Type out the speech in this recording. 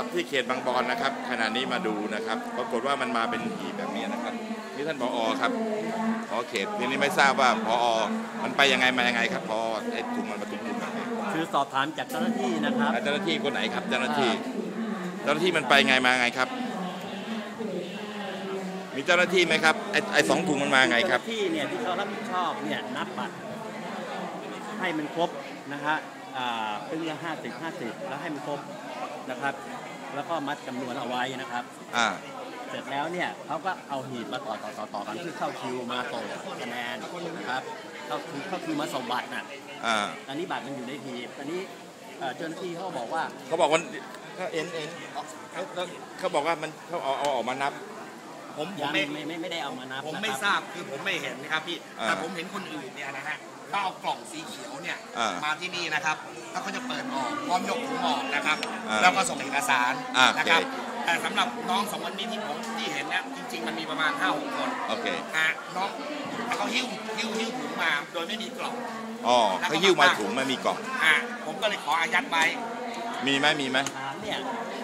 ที่เขตบางบอนนะครับขณะนี้มาดูนะครับปรากฏว่ามันมาเป็นหีบแบบนี้นะครับนี่ท่านผอ.ครับผอ.เขตทีนี้ไม่ทราบว่าผอ.มันไปยังไงมายังไงครับผอ.ไอ้ถุงมันมาถุงแบบนี้คือสอบถามจากเจ้าหน้าที่นะครับเจ้าหน้าที่คนไหนครับเจ้าหน้าที่มันไปไงมาไงครับมีเจ้าหน้าที่ไหมครับไอ้2 ถุงมันมาไงครับเจ้าหน้าที่เนี่ยที่เขารับผิดชอบเนี่ยนับบัตรให้มันครบนะฮะเป็นละ50 แล้วให้มันครบนะครับแล้วก็มัดจำนวนเอาไว้นะครับเสร็จแล้วเนี่ยเขาก็เอาหีบมาต่อกันที่เข้าคิวมาส่งคะแนนนะครับเข้าคิวมาส่งบัตรน่ะอันนี้บัตรมันอยู่ในหีบอันนี้เจ้าหน้าที่เขาบอกว่าเขาบอกว่ามันเขาเอาออกมานับผมไม่ได้เอามานับผมไม่ทราบคือผมไม่เห็นนะครับพี่แต่ผมเห็นคนอื่นเนี่ยนะฮะเขาเอากล่องสีเขียวเนี่ยมาที่นี่นะครับแล้วเขาจะเปิดออกพร้อมยกถุงออกนะครับแล้วก็ส่งเอกสารนะครับแต่สำหรับน้อง2 คนนี้ที่เห็นเนี่ยจริงๆมันมีประมาณ 5-6 คนน้องเขาหิ้วถุงมาโดยไม่มีกล่องเขาหิ้วมาถุงไม่มีกล่องผมก็เลยขออายัดไว้มีไหมเนี่ย